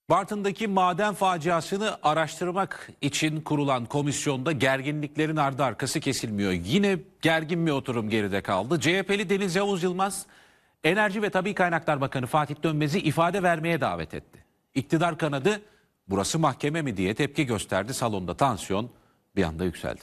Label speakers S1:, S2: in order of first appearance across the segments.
S1: Bartın'daki maden faciasını araştırmak için kurulan komisyonda gerginliklerin ardı arkası kesilmiyor. Yine gergin bir oturum geride kaldı. CHP'li Deniz Yavuz Yılmaz, Enerji ve Tabii Kaynaklar Bakanı Fatih Dönmez'i ifade vermeye davet etti. İktidar kanadı burası mahkeme mi diye tepki gösterdi. Salonda tansiyon bir anda yükseldi.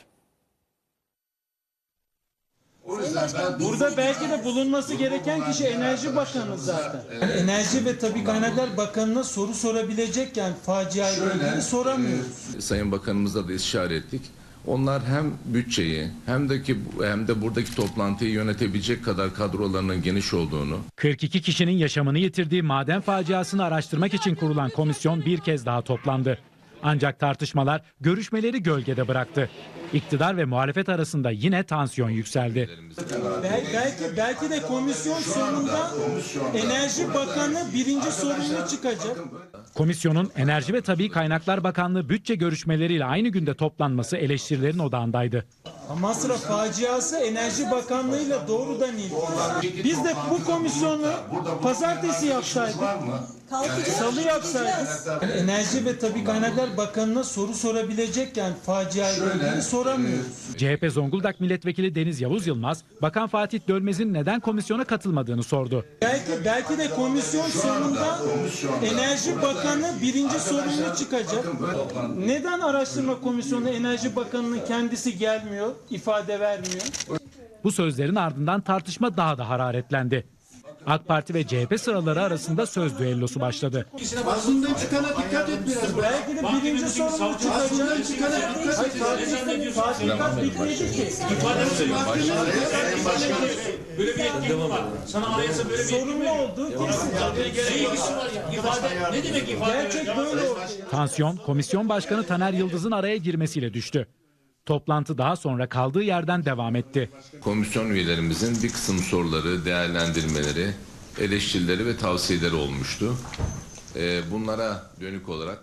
S2: Burada belki de bulunması gereken kişi Enerji Bakanı zaten. Yani Enerji ve Tabii Kaynaklar Bakanı'na soru sorabilecekken faciayla ilgili soramıyoruz.
S3: Sayın Bakanımızla da istişare ettik. Onlar hem bütçeyi hem de buradaki toplantıyı yönetebilecek kadar kadrolarının geniş olduğunu.
S4: 42 kişinin yaşamını yitirdiği maden faciasını araştırmak için kurulan komisyon bir kez daha toplandı. Ancak tartışmalar görüşmeleri gölgede bıraktı. İktidar ve muhalefet arasında yine tansiyon yükseldi.
S2: Belki de komisyon sonunda Enerji Bakanı birinci sorumlu çıkacak.
S4: Komisyonun Enerji ve Tabii Kaynaklar Bakanlığı bütçe görüşmeleriyle aynı günde toplanması eleştirilerin odağındaydı.
S2: Amasra faciası Enerji Bakanlığı'yla doğrudan ilgili. Biz de bu komisyonu pazartesi yapsaydık, salı yapsaydık, Enerji ve Tabii Kaynaklar Bakanı'na soru sorabilecekken faciayla ilgili soramıyoruz.
S4: CHP Zonguldak Milletvekili Deniz Yavuz Yılmaz, Bakan Fatih Dönmez'in neden komisyona katılmadığını sordu.
S2: Belki de komisyon sonunda Enerji Bakanı birinci sorumlu çıkacak. Neden araştırma komisyonu Enerji Bakanı'nın kendisi gelmiyor, ifade vermiyor?
S4: Bu sözlerin ardından tartışma daha da hararetlendi. AK Parti ve CHP sıraları arasında söz düellosu başladı.
S5: Basından çıkana dikkat et biraz.
S2: Belki de birinci sorumlu çıkacak. Tatbikat bitmedi ki.
S6: Böyle bir yetkin var. Sana anayasa böyle bir
S2: Sorumlu olduğu kesin.
S6: ne ilgisi var ya? İfade ne demek ifade?
S2: Gerçek böyle oldu.
S4: Tansiyon, Komisyon Başkanı Taner Yıldız'ın araya girmesiyle düştü. Toplantı daha sonra kaldığı yerden devam etti.
S3: Komisyon üyelerimizin bir kısım soruları, değerlendirmeleri, eleştirileri ve tavsiyeleri olmuştu. Bunlara dönük olarak